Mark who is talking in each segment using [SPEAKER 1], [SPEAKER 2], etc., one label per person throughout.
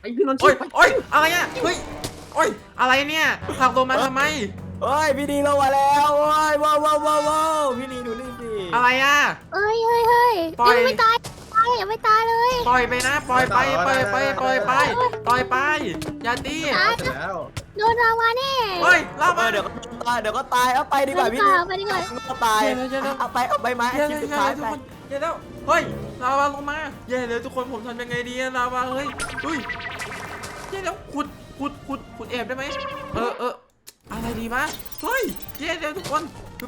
[SPEAKER 1] พี่นนท์
[SPEAKER 2] โอ้ยโอ้ยอะไรเนี่ยเฮ้ยโอ้ยอะไรเนี่ยผลักลงมาทำไม
[SPEAKER 3] เฮ้ยพี่นีลงมาแล้วโอ้ยว้าวว้าวว้าวว้าวพี่นีดูนี่สิ
[SPEAKER 2] อะไรอ่ะ
[SPEAKER 4] เฮ้ยเฮ้ยเฮ้ย
[SPEAKER 2] ปล่อย
[SPEAKER 4] ยังไม่ตายยังไม่ตายเลย
[SPEAKER 2] ปล่อยไปนะปล่อยไปปล่อยไปปล่อยไปปล่อยไปอย่าตี
[SPEAKER 4] ตาย
[SPEAKER 1] เสร็จแล้ว
[SPEAKER 4] โดนราวาแน่
[SPEAKER 2] เฮ้ยเล่ามา
[SPEAKER 3] เดี๋ยวก็ตายเดี๋ยวก็ตายเอาไปดีกว่าพี่นี
[SPEAKER 4] ไปดีกว่า
[SPEAKER 3] ก็ตายเอาไปเอาไปมา
[SPEAKER 2] เย้
[SPEAKER 3] ชิ้น
[SPEAKER 2] เย้
[SPEAKER 3] สุด
[SPEAKER 2] เย้
[SPEAKER 3] ท้าย
[SPEAKER 2] ทุก
[SPEAKER 3] ไป
[SPEAKER 2] คนเย้แล้วเฮ้ยลาวาลงมาเย้เลยทุกคนผมทำยังไงดีอะลาวาเฮ้ยเย้แล้วขุดแอบได้ไหมอะไรดีมะเฮ้ยเย้แล้วทุกคน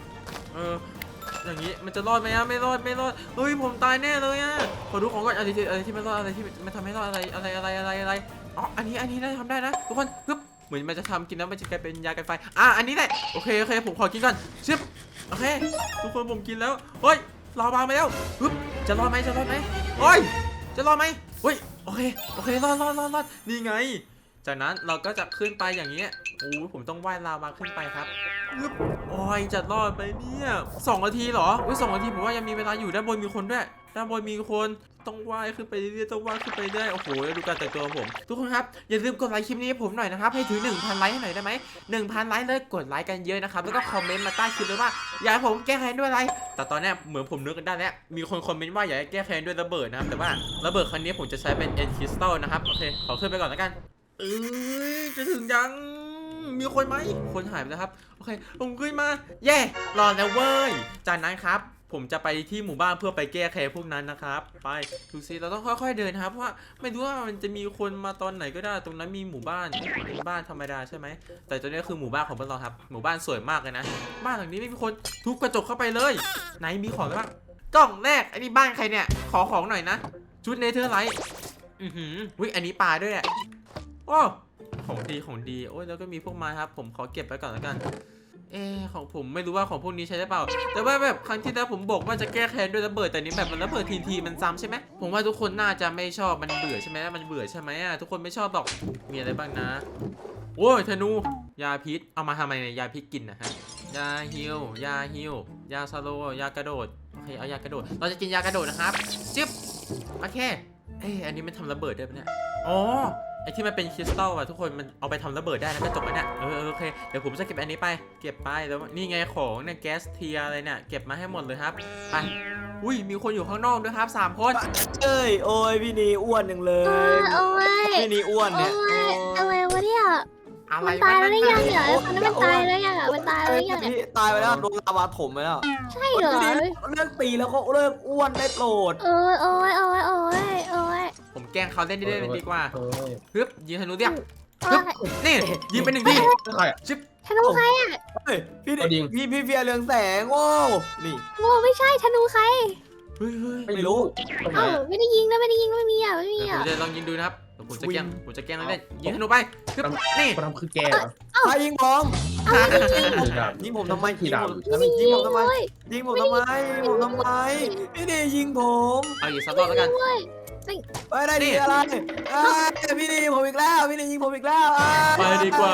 [SPEAKER 2] อย่างนี้มันจะรอดไหมอะไม่รอดเฮ้ยผมตายแน่เลยอะขอดูของก่อนอะไรที่ไม่รอดอะไรที่มันทำให้รอดอะไรอ๋ออันนี้ได้ทำได้นะทุกคนปึ๊บเหมือนมันจะทำกินแล้วมันจะกลายเป็นยากันไฟอันนี้แหละโอเคผมขอกินก่อนชึบโอเคทุกคนผมกินแล้วเฮ้ยลาวามาแล้วปึ๊บจะรอดไหมเฮ้ยจะรอดไหมเฮ้ยโอเครอดนี่ไงจากนั้นเราก็จะขึ้นไปอย่างนี้โอ้ผมต้องว่ายลาวาขึ้นไปครับปึ๊บโอ้ยจะรอดไปเนี่ย2 นาทีเหรออุ้ย2 นาทีผมว่ายังมีเวลาอยู่ด้านบนมีคนด้วยด้านบนมีคนต้องว่ายขึ้นไปเรื่อยๆต้องว่ายขึ้นไปเรื่อยโอ้โหดูการแต่งตัวของผมทุกคนครับอย่าลืมกดไลค์คลิปนี้ให้ผมหน่อยนะครับให้ถึง 1,000 ไลค์ให้หน่อยได้ไหม 1,000 ไลค์เลยกดไลค์กันเยอะนะครับแล้วก็คอมเมนต์มาใต้คลิปเลยว่าอยากให้ผมแก้แค้นด้วยอะไรแต่ตอนนี้เหมือนผมนึกกันได้แล้วมีคนคอมเมนต์ว่าอยากให้แก้แค้นด้วยระเบิดนะครับแต่ว่าระเบิดครั้งนี้ผมจะใช้เป็นเอ็นคริสตัลนะครับโอเคขอขึ้นไปก่อนแล้วกันจะถึงยังมีคนไหมคนหายไปแล้วครับโอเคผมขึ้นมาเย่รอแล้วเว้ยจากนั้นครับผมจะไปที่หมู่บ้านเพื่อไปแก้แค้นพวกนั้นนะครับไปดูซิเราต้องค่อยๆเดินครับเพราะว่าไม่รู้ว่ามันจะมีคนมาตอนไหนก็ได้ตรงนั้นมีหมู่บ้านเป็นบ้านธรรมดาใช่ไหมแต่ตัวนี้คือหมู่บ้านของพวกเราครับหมู่บ้านสวยมากเลยนะบ้านหลังนี้ไม่มีคนทุบกระจกเข้าไปเลยไหนมีของบ้างกล่องแรกอันนี้บ้านใครเนี่ยขอของหน่อยนะชุดเนเธอร์ไลท์วิอันนี้ปลาด้วยอ่ะโอ้ของดีโอ้ยแล้วก็มีพวกไม้ครับผมขอเก็บไว้ก่อนแล้วกันของผมไม่รู้ว่าของพวกนี้ใช้ได้เปล่าแต่ว่าแบบครั้งที่แล้วผมบอกว่าจะแก้แค้นด้วยระเบิดแต่นี้แบบมันระเบิดทีมันซ้ำใช่ไหมผมว่าทุกคนน่าจะไม่ชอบมันเบื่อใช่ไหมมันเบื่อใช่ไหมทุกคนไม่ชอบหรอกมีอะไรบ้างนะโอ้ยธนูยาพิษเอามาทำไมเนี่ยยาพิษกินนะฮะยาฮิวยาสโลยากระโดดโอเคเอายากระโดดเราจะกินยากระโดดนะครับจิ๊บโอเคอันนี้มันทำระเบิดได้ปะเนี่ยอ๋อไอที่มันเป็นคริสตัลอะทุกคนมันเอาไปทำระเบิดได้นะกระจกเนี่ยโอเคเดี๋ยวผมจะเก็บอันนี้ไปเก็บไปแล้วนี่ไงของเนี่ยแก๊สเทียอะไรเนี่ยเก็บมาให้หมดเลยครับไปอุ้ยมีคนอยู่ข้างนอกด้วยครับ3 คน
[SPEAKER 3] โอ้ยพี่นีอ้วนหนึ่งเลยพี่นีอ้วนเนี่ย
[SPEAKER 4] อะไรวะเนี่ย
[SPEAKER 2] อะไร
[SPEAKER 4] มันตายแล้วยังเหรอคนนั้นมันตายแล้วยังมันตายแล้วยัง
[SPEAKER 3] พี่ตายไปแล้วโดนลาวาถมไปแล้ว
[SPEAKER 4] ใช่เหรอ
[SPEAKER 3] พี่นีเลิกตีแล้วก็เลิกอ้วนได้โปรด
[SPEAKER 4] โอ้ย
[SPEAKER 2] ผมแกล้งเขาเล่นดีกว่า
[SPEAKER 1] เออ
[SPEAKER 2] ฮึบยิงธนูเรียบฮึบนี่ยิงไป1 ที
[SPEAKER 1] ใครอ่ะ
[SPEAKER 2] ชิบ
[SPEAKER 4] ธนูใครอ่ะ
[SPEAKER 3] พี่พี่เฟียเรืองแสงโอ้นี่
[SPEAKER 4] โง่ไม่ใช่ธนูใคร
[SPEAKER 2] เฮ้ย
[SPEAKER 3] ไม่รู้
[SPEAKER 1] ตรงไหน
[SPEAKER 4] เอ้าไม่ได้ยิงนะไม่มีอ่ะ
[SPEAKER 2] ผมจะลองยิงดูนะครับผมจะแกล้งเล่นยิงธนูไปฮึบนี่
[SPEAKER 1] คนทำคือแกเหรอ
[SPEAKER 3] ใครยิงผม ยิงผมทำไมยิงผมทำไมยิงผมทำไมพี่นียิงผม
[SPEAKER 2] เอาอีกสักรอบแล้วกัน
[SPEAKER 3] ไปได้ดีอะไรพี่นีผมอีกแล้วพี่นียิงผมอีกแล้ว
[SPEAKER 2] ไปดีกว่า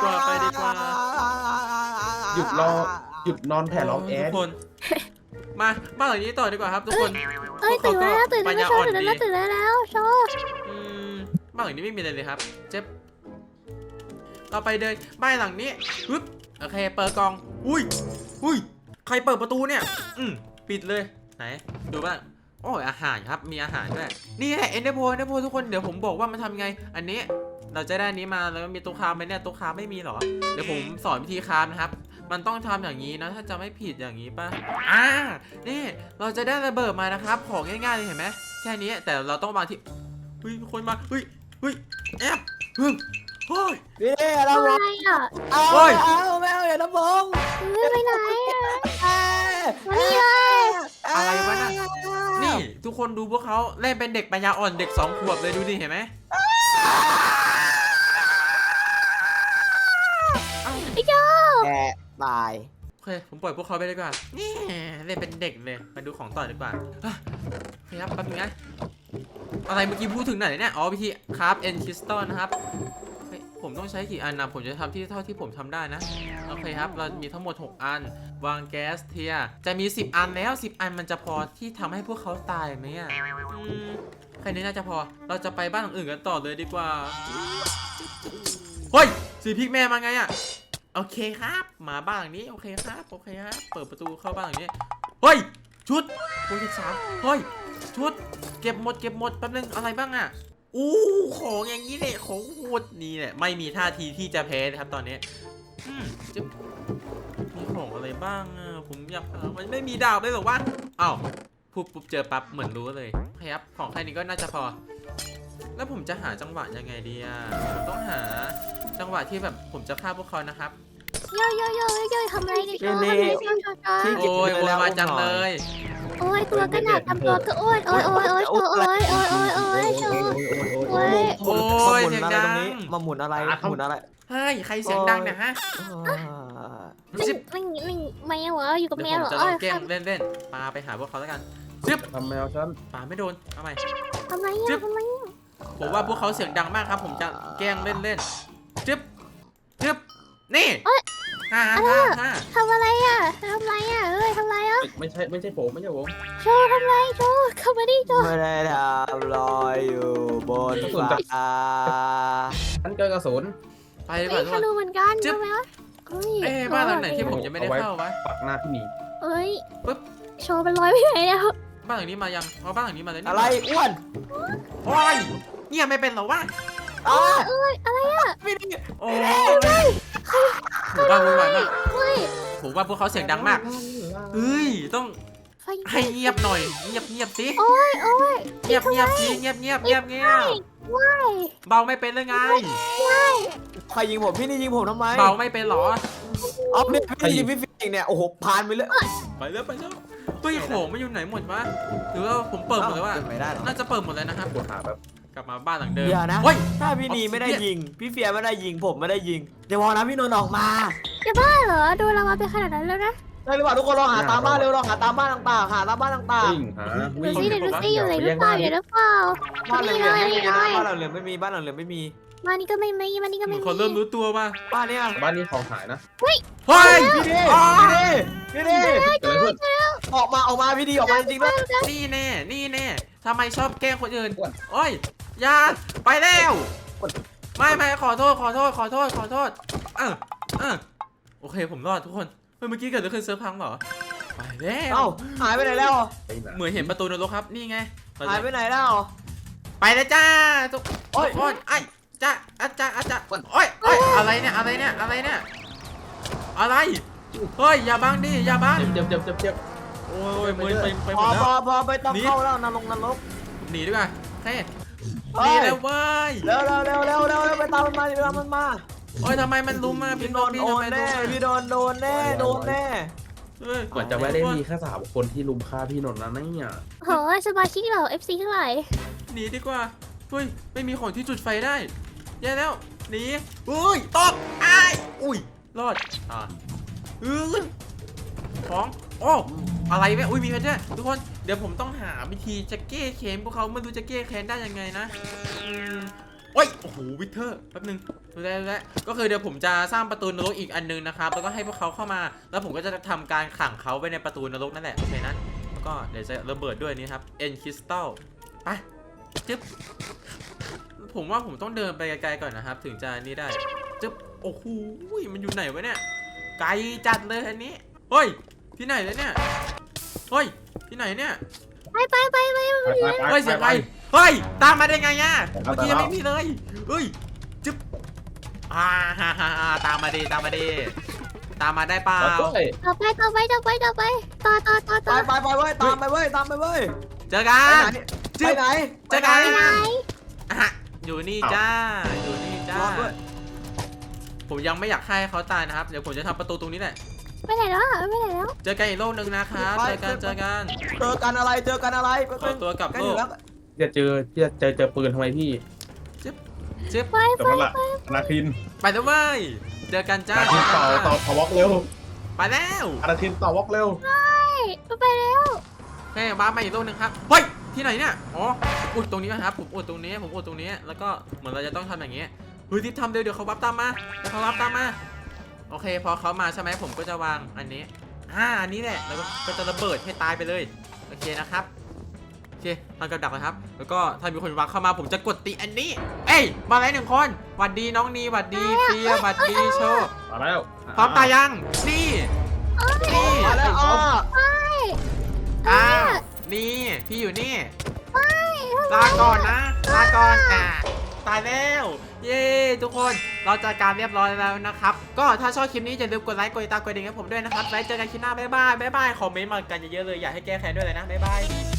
[SPEAKER 1] หยุดนอนแผ่ร้องแอ
[SPEAKER 2] ทุ
[SPEAKER 1] ด
[SPEAKER 2] กคนมาบ้านหลังนี้ต่อดีกว่าครับทุกคน
[SPEAKER 4] ตื่นแล้วโชว์
[SPEAKER 2] บ้านหลังนี้ไม่มีอะไรเลยครับเจ็บเราไปเดินบ้านหลังนี้ปึ๊บโอเคเปิดกล่องอุ้ยใครเปิดประตูเนี่ยปิดเลยไหนดูบ้างโอ้ยอาหารครับมีอาหารด้วยนี่แหละเอ็นเดอร์โพทุกคนเดี๋ยวผมบอกว่ามันทำไงอันนี้เราจะได้อันนี้มาแล้วมีตัวคราฟไหมเนี่ยตัวคราฟไม่มีหรอเดี๋ยวผมสอนวิธีคราฟนะครับมันต้องทำอย่างนี้นะถ้าจะไม่ผิดอย่างนี้ป่ะนี่เราจะได้ระเบิดมานะครับของง่ายๆเลยเห็นไหมแค่นี้แต่เราต้องวางที่คนมาแอบเฮ้ย
[SPEAKER 3] พี่นีเรา
[SPEAKER 4] อะไรอ่ะ
[SPEAKER 3] เอาแมวอย่าทำผม
[SPEAKER 4] ไปไหนอ่ะนี่เลย
[SPEAKER 2] อะไรวะน่ะนี่ทุกคนดูพวกเขาเล่นเป็นเด็กปัญญาอ่อนเด็ก2 ขวบเลยดูดิเห็นไหม
[SPEAKER 4] ไอ้เจ้า
[SPEAKER 3] แกตาย
[SPEAKER 2] โอเคผมปล่อยพวกเขาไปดีกว่านี่เล่นเป็นเด็กเลยมาดูของต่อดีกว่าโอเคครับแป๊บนึงนะอะไรเมื่อกี้พูดถึงไหนเนี่ยอ๋อวิธีคราฟเอ็นคริสตัลนะครับผมต้องใช้กี่อันนะผมจะทำที่เท่าที่ผมทำได้นะโอเคครับเรามีทั้งหมด6 อันวางแก๊สเทียจะมี10 อันแล้ว10 อันมันจะพอที่ทำให้พวกเขาตายไหมแค่นี้น่าจะพอเราจะไปบ้านหลังอื่นกันต่อเลยดีกว่าเฮ้ยสีพิกแม่มาไงอะโอเคครับมาบ้านหลังนี้โอเคครับโอเคครับเปิดประตูเข้าบ้านหลังนี้เฮ้ยชุดโปรเจกต์3เฮ้ยชุดเก็บหมดแป๊บนึงอะไรบ้างอะอู้ของอย่างนี้เนี่ยของโหดนี่แหละไม่มีท่าทีที่จะแพ้นะครับตอนนี้จะมีของอะไรบ้างอะผมอยากมันไม่มีดาวเลยหรอวะอ้าวพูดปุ๊บเจอปั๊บเหมือนรู้เลยครับของแค่นี้ก็น่าจะพอแล้วผมจะหาจังหวะยังไงดีอะผมต้องหาจังหวะที่แบบผมจะฆ่าพวกเขานะครับ
[SPEAKER 4] โยทำอะไรดิโชว์ทำอะไรโชว์
[SPEAKER 2] โอ้ยโวยวายจังเลย
[SPEAKER 4] โอ้ยตัวก็หนักทำตัวก็อ้วนโอ้ยโชว์โชว์
[SPEAKER 2] โอ้ยเสียงดัง
[SPEAKER 3] มาหมุนอะไรหมุนอะไร
[SPEAKER 2] เฮ้ยใครเสียงดังเนี่ยฮะ
[SPEAKER 4] แมวเหรออยู่กับ
[SPEAKER 2] เดี๋
[SPEAKER 4] แม
[SPEAKER 2] ยว
[SPEAKER 4] ว
[SPEAKER 2] ผม
[SPEAKER 4] เหรอ
[SPEAKER 2] จะลองแกล้งเล่นปาไปหาพวกเขาแล้วกันซึบ
[SPEAKER 1] ทำแมวฉัน
[SPEAKER 2] ปาไม่โดนเอาใหม่
[SPEAKER 4] ทำไม
[SPEAKER 2] ผมว่าพวกเขาเสียงดังมากครับผมจะแกล้งเล่นจึ๊บนี่ฮ่า
[SPEAKER 4] ทำอะไรอ่ะเฮ้ยทำอะไรอ่ะ
[SPEAKER 1] ไม่ใช่ผม
[SPEAKER 4] โชว์ทำไรโชว์เข้ามาดิโชว์
[SPEAKER 3] ไม่ได้ทำลอยอยู่บนฟ้า
[SPEAKER 1] ฉันเจอกระสุน
[SPEAKER 2] ไปดีกว่าทุก
[SPEAKER 4] ทะ
[SPEAKER 2] คน
[SPEAKER 4] ลุเหมือนกันใช่ไหมวะ
[SPEAKER 2] บ้านหลังไหนที่ผมจะไม่ได้เข้าวะ
[SPEAKER 1] ปักหน้าพี่หมี
[SPEAKER 4] เอ้ย
[SPEAKER 2] ปึ๊บ
[SPEAKER 4] โชว์เป็นร้อยไปไหนแล้ว
[SPEAKER 2] บ้านหลังนี้มายังเอาบ้านหลังนี้มาเลยนี่
[SPEAKER 3] อะไรอ้วน
[SPEAKER 2] โอ้ยเงียบไม่เป็นเหรอวะ
[SPEAKER 4] อะไรอ่ะ
[SPEAKER 3] ไม่ได้
[SPEAKER 2] โอ้ยผมว่าวุ่นวายมาก
[SPEAKER 4] เฮ้ย
[SPEAKER 2] ผมว่าพวกเขาเสียงดังมากเฮ้ยต้อง
[SPEAKER 4] ไฟ
[SPEAKER 2] ให้เงียบหน่อยเงียบสิ
[SPEAKER 4] โอ้ย
[SPEAKER 2] เงียบสิเงียบ
[SPEAKER 4] ว้าย
[SPEAKER 2] เบาไม่เป็นเลยไง
[SPEAKER 3] ใครยิงผมพี่นี่ยิงผมทำไม
[SPEAKER 2] เบาไม่เป็นหรอ
[SPEAKER 3] อ๋อเนี่ยพี่ยิงพี่ฟิงเนี่ยโอ้โหผ่านไปเลย
[SPEAKER 2] ไปแล้วเฮ้ยของไม่อยู่ไหนหมดวะหรือว่าผมเปิดหมดเลยวะ
[SPEAKER 3] ไม่ได้หรอ
[SPEAKER 2] น่าจะเปิดหมดเลยนะครับ
[SPEAKER 1] ปวดขาแบบ
[SPEAKER 2] กลับมาบ้านหลังเดิม
[SPEAKER 3] เดี๋ยวนะ
[SPEAKER 2] เฮ้ย
[SPEAKER 3] ถ้าพี่นีไม่ได้ยิงพี่เฟียไม่ได้ยิงผมไม่ได้ยิงเดี๋ยวพอนะพี่นนท์ออกมา
[SPEAKER 4] จะบ้าเหรอโดนเรามาเป็นขนาดนั้นแล้วนะ
[SPEAKER 3] ได้หรือเปล่าทุกคนลองหาตามบ้านเร็วลองหาตามบ้านต่างๆหาตามบ้านต่าง
[SPEAKER 1] วิ่งหา
[SPEAKER 4] ดู
[SPEAKER 1] วิ่ง
[SPEAKER 4] สิเดี๋ยวดูสิอยู่ไหนหรือเปล่า
[SPEAKER 3] ๆบ้านเหลืองไม่มีนะบ้านเหลืองไม่มีบ้านเหลืองไม่มี
[SPEAKER 4] มานี่ก็ไม่มีมานี่ก็ไม่มี
[SPEAKER 2] เขาเริ่มรู้ตัวมา
[SPEAKER 3] บ้านเนี้ย
[SPEAKER 1] บ้านนี้ของหายนะ
[SPEAKER 2] เฮ้ย
[SPEAKER 3] พี่ดีพี่ดี
[SPEAKER 1] เกิดอะไรขึ้น
[SPEAKER 3] ออกมาพี่ดีออกมาจริงๆด้วย
[SPEAKER 2] นี่แน่ทำไมชอบแกล้งคนอื่นโอ้ยอย่าไปแล้วไม่ขอโทษโอเคผมรอดทุกคนเมื่อกี้เกิดอะไรขึ้นเซิร์ฟพังเหรอไปแล้ว
[SPEAKER 3] เอ้าหายไปไหนแล้ว
[SPEAKER 2] เหมือนเห็นประตูนรกครับนี่ไง
[SPEAKER 3] หายไปไหนแล้ว
[SPEAKER 2] ไปแล้วจ้าทุกคนไอ้จ้าอาจารย์โอ้ยอะไรเนี่ยอะไรเฮ้ยอย่าบังดิอย่าบัง
[SPEAKER 1] เจ็บ
[SPEAKER 2] โอ้ยมือไปห
[SPEAKER 3] พ
[SPEAKER 2] ม
[SPEAKER 3] อ
[SPEAKER 2] ดแล้ว
[SPEAKER 3] พอไปต้องเข้าแล้วนรก
[SPEAKER 2] หนีดีกว่าเฮ้ยหนีแล้วเว้ย
[SPEAKER 3] เร็วไปตามมันมา
[SPEAKER 2] โอ้ยทำไมมันลุมมาพี่
[SPEAKER 3] พี่โดนแน่พี่โดนแน่
[SPEAKER 2] เฮ้ย
[SPEAKER 1] เหมือนจะไม่ได้มีแค่3 คนที่ลุมฆ่าพี่นนท์นะเนี่ย
[SPEAKER 4] โหสมาชิกเหล่า FC ทั้งหลาย
[SPEAKER 2] หนีดีกว่าเฮ้ยไม่มีของที่จุดไฟได้แย่แล้วหนีอุ้ยตกอุ้ยรอดของโอ้อะไรแม่อุ้ยมีเพชรด้วยทุกคนเดี๋ยวผมต้องหาวิธีจะแก้แค้นพวกเขาไม่รู้จะแก้แค้นได้ยังไงนะโอ้ยโอ้โหวิเทอร์แป๊บนึงดูแลก็คือเดี๋ยวผมจะสร้างประตูนรกอีกอันนึงนะครับแล้วก็ให้พวกเขาเข้ามาแล้วผมก็จะทำการขังเขาไว้ในประตูนรกนั่นแหละโอเคนะแล้วก็เดี๋ยวจะระเบิดด้วยนี่ครับเอ็นคริสตัลไปจึ๊บผมว่าผมต้องเดินไปไกลๆก่อนนะครับถึงจะนี่ได้จึ๊บโอ้โหมันอยู่ไหนวะเนี่ยไกลจัดเลยอันนี้เฮ้ยที่ไหนเลยเนี่ยเฮ้ยที่ไหนเนี่ยเฮ้ยเสียงไปเฮ้ยตามมาได้ไงอ่ะเมื่อกี้ยังไม่มีเลยเฮ้ยจึ๊บตามมาดีตามมาได้เปล่า
[SPEAKER 1] ต่อไป
[SPEAKER 4] ต่อไปต่อ
[SPEAKER 3] ไปเว้ยตามไปเว้ย
[SPEAKER 2] เจอกัน
[SPEAKER 3] ไปไหน
[SPEAKER 2] เจอกัน
[SPEAKER 4] ไหน
[SPEAKER 2] อยู่นี่จ้าผมยังไม่อยากให้เขาตายนะครับเดี๋ยวผมจะทำประตูตรงนี้แหละ
[SPEAKER 4] ไปไหนแล้ว
[SPEAKER 2] เจอกันอีกโลกนึงนะครับเจอกัน
[SPEAKER 3] เจอกันอะไร
[SPEAKER 2] ขอตัวกลับโลก
[SPEAKER 1] จะเจอปืนทำไมพี่
[SPEAKER 2] จิ๊บ
[SPEAKER 4] ไป
[SPEAKER 1] แต่ว่าละนาคิน
[SPEAKER 2] ไปแล้วเว้ยเจอกันจ้า
[SPEAKER 1] นาคินต่อวอล์กเร็ว
[SPEAKER 2] ไปแล้ว
[SPEAKER 1] นาคินต่อวอล์กเร็ว
[SPEAKER 4] ไปแล้ว
[SPEAKER 2] เฮ้ยมาอีกโลกนึงครับเฮ้ยที่ไหนเนี่ยอ๋ออุดตรงนี้นะครับผมอุดตรงนี้แล้วก็เหมือนเราจะต้องทำอย่างเงี้ยเฮ้ยที่ทำเดี๋ยวเขาวับตามมาโอเคพอเขามาใช่ไหมผมก็จะวางอันนี้อันนี้แหละแล้วก็จะระเบิดให้ตายไปเลยโอเคนะครับเคทำกับดักนะครับแล้วก็ถ้ามีคนวางเข้ามาผมจะกดตีอันนี้เอ้ยมาแล้ว1 คนหวัดดีน้องนีหวัดดีเฟียหวัดดีโชว์
[SPEAKER 1] มาแล้ว
[SPEAKER 2] พร้อมตายยังนี่นี่
[SPEAKER 3] มาแล้วอ้อ
[SPEAKER 2] อ้าวนี่พี่อยู่นี่ลาก่อนนะลาก่อนตายแล้วเย้ทุกคนเราจัดการเรียบร้อยแล้วนะครับก็ถ้าชอบคลิปนี้อย่าลืมกดไลค์กดติดตามกดกระดิ่งให้ผมด้วยนะครับไว้เจอกันคลิปหน้าบ๊ายบายคอมเมนต์มากันเยอะๆเลยอยากให้แก้แค้นด้วยเลยนะบ๊ายบาย